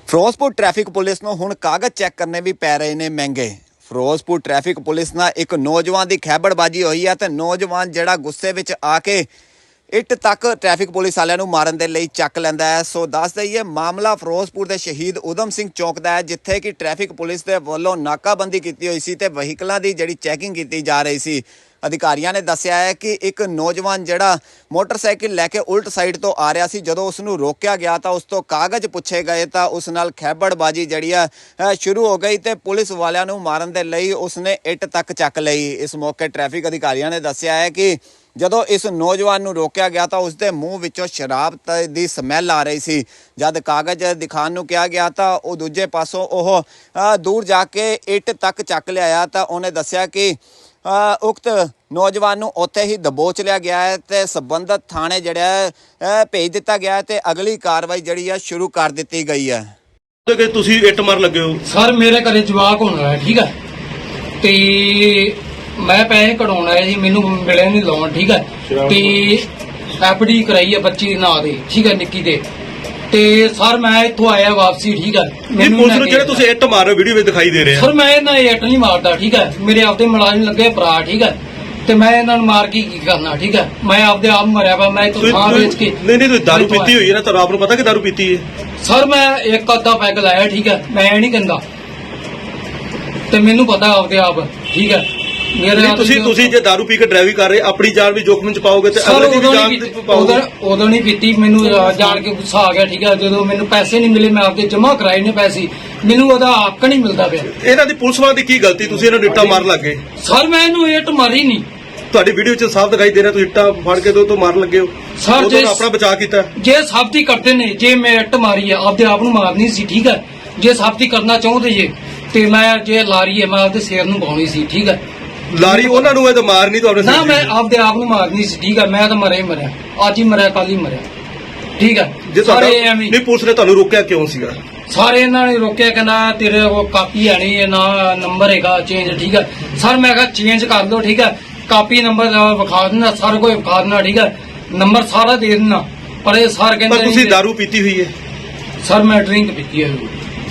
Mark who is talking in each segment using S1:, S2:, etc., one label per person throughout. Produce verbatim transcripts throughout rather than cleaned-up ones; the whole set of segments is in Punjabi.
S1: ਫਿਰੋਜ਼ਪੁਰ ਟ੍ਰੈਫਿਕ ਪੁਲਿਸ ਨੂੰ ਹੁਣ ਕਾਗਜ਼ ਚੈੱਕ ਕਰਨੇ ਵੀ ਪੈ ਰਹੇ ਨੇ ਮਹਿੰਗੇ। ਫਿਰੋਜ਼ਪੁਰ ਟ੍ਰੈਫਿਕ ਪੁਲਿਸ ਨਾਲ ਇੱਕ ਨੌਜਵਾਨ ਦੀ ਖੈਬੜਬਾਜੀ ਹੋਈ ਹੈ ਤੇ ਨੌਜਵਾਨ ਜਿਹੜਾ ਗੁੱਸੇ ਵਿੱਚ ਆ ਕੇ ਇੱਟ ਤੱਕ ਟ੍ਰੈਫਿਕ ਪੁਲਿਸ ਵਾਲਿਆਂ ਨੂੰ ਮਾਰਨ ਦੇ ਲਈ ਚੱਕ ਲੈਂਦਾ ਹੈ। ਸੋ ਦੱਸ ਦਈਏ ਮਾਮਲਾ ਫਿਰੋਜ਼ਪੁਰ ਦੇ ਸ਼ਹੀਦ ਊਧਮ ਸਿੰਘ ਚੌਕ ਦਾ ਹੈ, ਜਿੱਥੇ ਕਿ ਟ੍ਰੈਫਿਕ ਪੁਲਿਸ ਦੇ ਵੱਲੋਂ ਨਾਕਾਬੰਦੀ ਕੀਤੀ ਹੋਈ ਸੀ ਤੇ ਵਹੀਕਲਾਂ ਦੀ ਜਿਹੜੀ ਚੈਕਿੰਗ ਕੀਤੀ ਜਾ ਰਹੀ ਸੀ। ਅਧਿਕਾਰੀਆਂ ਨੇ ਦੱਸਿਆ ਹੈ ਕਿ ਇੱਕ ਨੌਜਵਾਨ ਜਿਹੜਾ ਮੋਟਰਸਾਈਕਲ ਲੈ ਕੇ ਉਲਟ ਸਾਈਡ ਤੋਂ ਆ ਰਿਹਾ ਸੀ, ਜਦੋਂ ਉਸ ਨੂੰ ਰੋਕਿਆ ਗਿਆ ਤਾਂ ਉਸ ਤੋਂ ਕਾਗਜ਼ ਪੁੱਛੇ ਗਏ ਤਾਂ ਉਸ ਨਾਲ ਖੈਬੜਬਾਜੀ ਜਿਹੜੀ ਆ ਸ਼ੁਰੂ ਹੋ ਗਈ ਤੇ ਪੁਲਿਸ ਵਾਲਿਆਂ ਨੂੰ ਮਾਰਨ ਦੇ ਲਈ ਉਸਨੇ ਇੱਟ ਤੱਕ ਚੱਕ ਲਈ। ਇਸ ਮੌਕੇ ਟ੍ਰੈਫਿਕ ਅਧਿਕਾਰੀਆਂ ਨੇ ਦੱਸਿਆ ਹੈ ਕਿ ਜਦੋਂ ਇਸ ਨੌਜਵਾਨ ਨੂੰ ਰੋਕਿਆ ਗਿਆ ਤਾਂ ਉਸਦੇ ਮੂੰਹ ਵਿੱਚੋਂ ਸ਼ਰਾਬ ਦੀ ਸਮੈਲ ਆ ਰਹੀ ਸੀ। ਜਦ ਕਾਗਜ਼ ਦਿਖਾਉਣ ਨੂੰ ਕਿਹਾ ਗਿਆ ਤਾਂ ਉਹ ਦੂਜੇ ਪਾਸੋਂ ਉਹ ਦੂਰ ਜਾ ਕੇ ਇੱਟ ਤੱਕ ਚੱਕ ਲਿਆਇਆ ਤਾਂ ਉਹਨੇ ਦੱਸਿਆ ਕਿ ਉਕਤ ਨੌਜਵਾਨ ਨੂੰ ਉੱਥੇ ਹੀ ਦਬੋਚ ਲਿਆ ਗਿਆ ਹੈ ਤੇ ਸੰਬੰਧਿਤ ਥਾਣੇ ਜਿਹੜਾ ਭੇਜ ਦਿੱਤਾ ਗਿਆ ਹੈ ਤੇ ਅਗਲੀ ਕਾਰਵਾਈ ਜਿਹੜੀ ਆ ਸ਼ੁਰੂ ਕਰ ਦਿੱਤੀ ਗਈ ਹੈ।
S2: ਕਿ ਤੁਸੀਂ ਇੱਟ ਮਾਰ ਲੱਗੇ ਹੋ
S3: ਸਰ, ਮੇਰੇ ਘਰੇ ਜਵਾਕ ਹੋਣਾ ਹੈ, ਠੀਕ ਹੈ, ਤੇ ਮੈਂ ਪੈਸੇ ਕਢਾਉਣਾ ਹੈ ਜੀ, ਮੈਨੂੰ ਮਿਲੇ ਨਹੀਂ ਲੋਨ, ਠੀਕ ਹੈ, ਤੇ ਐਫਡੀ ਕਰਾਈ ਹੈ ਬੱਚੀ ਦੇ ਨਾਂ ਦੇ, ਠੀਕ ਹੈ, ਨਿੱਕੀ ਦੇ, ਤੇ ਸਰ ਮੈਂ ਇੱਥੋਂ ਆਇਆ ਵਾਪਸੀ, ਠੀਕ ਹੈ।
S2: ਮੈਨੂੰ ਪੁਲਿਸ ਨੂੰ ਜਿਹੜੇ ਤੁਸੀਂ ਇੱਟ ਮਾਰ ਰਹੇ ਹੋ ਵੀਡੀਓ ਵਿੱਚ ਦਿਖਾਈ ਦੇ ਰਹੇ ਆ।
S3: ਸਰ ਮੈਂ ਇਹਨਾਂ ਇੱਟ ਨਹੀਂ ਮਾਰਦਾ, ਠੀਕ ਹੈ, ਮੇਰੇ ਆਪਦੇ ਮੁਲਾਜ਼ਮ ਲੱਗੇ ਭਰਾ, ਠੀਕ ਹੈ, ਤੇ ਮੈਂ ਇਹਨਾਂ ਨੂੰ ਮਾਰ ਕੇ ਕੀ ਕਰਨਾ, ਠੀਕ ਹੈ, ਮੈਂ ਆਪਦੇ ਆਪ ਮਰਿਆ ਵਾ, ਮੈਂ ਇੱਥੋਂ ਥਾਂ ਵੇਚ ਕੇ।
S2: ਨਹੀਂ ਨਹੀਂ ਤੁਸੀਂ ਦਾਰੂ ਪੀਤੀ ਹੋਈ ਹੈ ਨਾ, ਤੁਹਾਨੂੰ ਆਪ ਨੂੰ ਪਤਾ ਕਿ ਦਾਰੂ ਪੀਤੀ ਹੈ।
S3: ਸਰ ਮੈਂ ਇੱਕ ਅੱਧਾ ਪੈਗ ਲਾਇਆ, ਠੀਕ ਹੈ, ਮੈਂ ਨਹੀਂ ਕਹਿੰਦਾ, ਤੇ ਮੈਨੂੰ ਪਤਾ ਆਪਦੇ ਆਪ, ਠੀਕ ਹੈ। ਮੇਰੇ
S2: ਤੁਸੀਂ ਤੁਸੀਂ ਜੇ ਦਾਰੂ ਪੀ ਕੇ ਡਰਾਈਵਿੰਗ ਕਰ ਰਹੇ ਆਪਣੀ ਜਾਨ ਵੀ ਜੋਖਮ ਚ ਪਾਓਗੇ ਤੇ ਅਗਲੇ ਦੀ ਵੀ ਜਾਨ ਪਾਓਗੇ।
S3: ਉਦੋਂ ਨਹੀਂ ਪੀਤੀ, ਮੈਨੂੰ ਜਾਣ ਕੇ ਗੁੱਸਾ ਆ ਗਿਆ, ਠੀਕ ਹੈ, ਜਦੋਂ ਮੈਨੂੰ ਪੈਸੇ ਨਹੀਂ ਮਿਲੇ, ਮੈਂ ਆਪਦੇ ਜਮ੍ਹਾਂ ਕਰਾਏ ਨੇ ਪੈਸੇ, ਮੈਨੂੰ ਉਹਦਾ ਹੱਕ ਨਹੀਂ ਮਿਲਦਾ ਪਿਆ।
S2: ਇਹਨਾਂ ਦੀ ਪੁਲਿਸ ਵਾਲਿਆਂ ਦੀ ਕੀ ਗਲਤੀ, ਤੁਸੀਂ ਇਹਨਾਂ ਨੂੰ ਇੱਟਾਂ ਮਾਰਨ ਲੱਗੇ?
S3: ਸਰ ਮੈਂ ਇਹਨੂੰ ਇੱਟ ਮਾਰੀ ਨਹੀਂ,
S2: ਤੁਹਾਡੀ ਵੀਡੀਓ ਚ ਸਾਫ਼ ਦਿਖਾਈ ਦੇ ਰਿਹਾ ਤੁਸੀਂ ਇੱਟਾਂ ਫੜ ਕੇ ਦੋ ਤੋਂ ਮਾਰਨ ਲੱਗੇ ਹੋ।
S3: ਸਰ ਜੇ
S2: ਆਪਣਾ ਬਚਾਅ ਕੀਤਾ,
S3: ਜੇ ਸਾਬਤੀ ਕਰਦੇ ਨੇ, ਜੇ ਮੈਂ ਇੱਟ ਮਾਰੀ ਹੈ ਆਪਦੇ ਆਪ ਨੂੰ ਮਾਰਨੀ ਸੀ, ਠੀਕ ਹੈ, ਜੇ ਸਾਬਤੀ ਕਰਨਾ ਚਾਹੁੰਦੇ ਜੇ ਤੇ ਮੈਂ ਜੇ ਲਾਰੀ ਹੈ ਮੈਂ ਆਪਦੇ ਸਿਰ ਨੂੰ ਪਾਉਣੀ ਸੀ, ਠੀਕ ਹੈ।
S2: ਲਾਰੀ ਉਹਨਾਂ ਨੂੰ ਇਹ ਤਾਂ ਮਾਰਨੀ ਤੁਹਾਡੇ
S3: ਨਾ, ਮੈਂ ਆਪਦੇ ਆਪ ਨੂੰ ਮਾਰਨੀ ਸੀ, ਠੀਕ ਹੈ, ਮੈਂ ਤਾਂ ਮਰਿਆ ਹੀ ਮਰਿਆ, ਅੱਜ ਹੀ ਮਰਿਆ ਕੱਲ ਹੀ ਮਰਿਆ, ਠੀਕ ਹੈ।
S2: ਜੇ ਤੁਹਾਡਾ ਨਹੀਂ ਪੁਲਿਸ ਨੇ ਤੁਹਾਨੂੰ ਰੋਕਿਆ ਕਿਉਂ ਸੀਗਾ?
S3: ਸਾਰੇ ਇਹਨਾਂ ਨੇ ਰੋਕਿਆ, ਕਹਿੰਦਾ ਤੇਰੇ ਉਹ ਕਾਪੀ ਹੈ ਨਹੀਂ, ਨਾ ਨੰਬਰ ਹੈਗਾ ਚੇਂਜ, ਠੀਕ ਹੈ। ਸਰ ਮੈਂ ਕਿਹਾ ਚੇਂਜ ਕਰ ਲਓ, ਠੀਕ ਹੈ, ਕਾਪੀ ਨੰਬਰ ਵਿਖਾ ਦੇਣਾ, ਸਾਰਾ ਕੁਝ ਵਿਖਾ ਦੇਣਾ, ਠੀਕ ਹੈ, ਨੰਬਰ ਸਾਰਾ ਦੇ ਦੇਣਾ, ਪਰ ਇਹ ਸਰ ਕਹਿੰਦੇ
S2: ਪਰ ਤੁਸੀਂ ਦਾਰੂ ਪੀਤੀ ਹੋਈ ਹੈ?
S3: ਸਰ ਮੈਂ ਡਰਿੰਕ ਪੀਤੀ ਹੈ।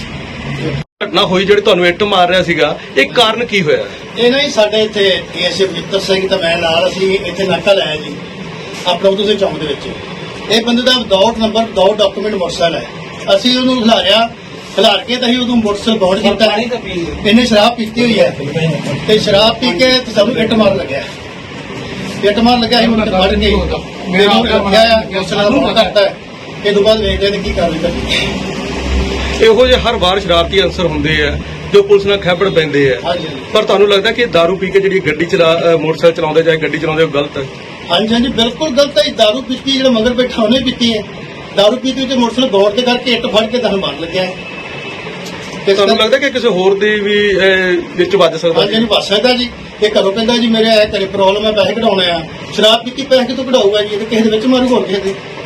S2: ਘਟਨਾ ਹੋਈ ਜਿਹੜੀ ਤੁਹਾਨੂੰ ਇੱਟ ਮਾਰ ਰਿਹਾ ਸੀਗਾ, ਇਹ ਕਾਰਨ ਕੀ ਹੋਇਆ?
S4: ਇਹ ਨਾ ਜੀ ਸਾਡੇ ਇੱਥੇ ਏਐਸਏ ਬਜਿੱਤਰ ਸਿੰਘ ਤਾਂ ਮੈਂ ਨਾਲ, ਅਸੀਂ ਇੱਥੇ ਨਾਕਾ ਲਾਇਆ ਜੀ ਆਪਣਾ ਉਦੋਂ ਦੇ ਚੌਂਕ ਦੇ ਵਿੱਚ। ਇਹ ਬੰਦੇ ਦਾ without number without document motorcycle ਹੈ। ਅਸੀਂ ਉਹਨੂੰ ਖਿਲਾਰਿਆ, ਖਿਲਾਰ ਕੇ ਤਾਂ ਅਸੀਂ ਉਦੋਂ ਮੋਟਰਸਾਈਕਲ ਬੌਂਡ ਕੀਤਾ। ਇਹਨੇ ਸ਼ਰਾਬ ਪੀਤੀ ਹੋਈ ਹੈ ਤੇ ਸ਼ਰਾਬ ਪੀ ਕੇ ਤੇ ਸਾਨੂੰ ਇੱਟ ਮਾਰ ਲੱਗਿਆ, ਇੱਟ ਮਾਰ ਲੱਗਿਆ, ਅਸੀਂ ਮੁੰਡੇ ਫੜ ਕੇ ਮੈਨੂੰ ਰੱਖਿਆ, ਮੋਟਰਸਾਈਕਲ ਬੌਂਡ ਕਰਤਾ। ਇਹ ਤੋਂ ਬਾਅਦ ਵੇਖਦੇ ਨੇ ਕੀ ਕਾਰਵਾਈ ਕਰਨੀ।
S2: ਇਹੋ ਜਿਹੇ ਹਰ ਵਾਰ ਸ਼ਰਾਰਤੀ ਅਨਸਰ ਹੁੰਦੇ ਆ ਜੋ ਪੁਲਿਸ ਨਾਲ ਖੈਬੜ ਪੈਂਦੇ ਆ, ਪਰ ਤੁਹਾਨੂੰ ਲੱਗਦਾ ਕਿ ਦਾਰੂ ਪੀ ਕੇ ਜਿਹੜੀ ਗੱਡੀ ਚਲਾ ਮੋਟਰਸਾਈਕਲ ਚਲਾਉਂਦੇ ਜਾਂ ਗੱਡੀ ਚਲਾਉਂਦੇ ਉਹ ਗਲਤ ਹੈ?
S4: ਹਾਂਜੀ ਹਾਂਜੀ ਬਿਲਕੁਲ ਗਲਤ ਹੈ। ਦਾਰੂ ਪੀਤੀ, ਜਿਹੜਾ ਮਗਰ ਬੈਠਾ ਉਹਨੇ ਪੀਤੀ ਹੈ, ਦਾਰੂ ਪੀਤੀ ਤੇ ਮੋਟਰਸਾਈਕਲ ਦੌੜ ਕੇ ਕਰਕੇ ਇੱਟ ਫੜ ਕੇ ਤੁਹਾਨੂੰ ਮਾਰ ਲੱਗਿਆ ਹੈ।
S2: ਤੇ ਤੁਹਾਨੂੰ ਲੱਗਦਾ ਕਿ ਕਿਸੇ ਹੋਰ ਦੀ ਵੀ ਵਿੱਚ ਵੱਜ ਸਕਦਾ?
S4: ਹਾਂਜੀ ਹਾਂਜੀ ਵੱਜ ਸਕਦਾ ਜੀ। ਇਹ ਘਰੋਂ ਕਹਿੰਦਾ ਜੀ ਮੇਰੇ ਘਰੇ ਪ੍ਰੋਬਲਮ ਹੈ, ਪੈਸੇ ਕਢਾਉਣੇ ਆ, ਸ਼ਰਾਬ ਪੀਤੀ ਪੈਸੇ ਕਿਤੋਂ ਕਢਾਊਗਾ ਜੀ, ਇਹ ਕਿਸੇ ਦੇ ਵਿੱਚ ਮਾਰੂ ਹੋਰ ਕਿਸੇ ਦੇ।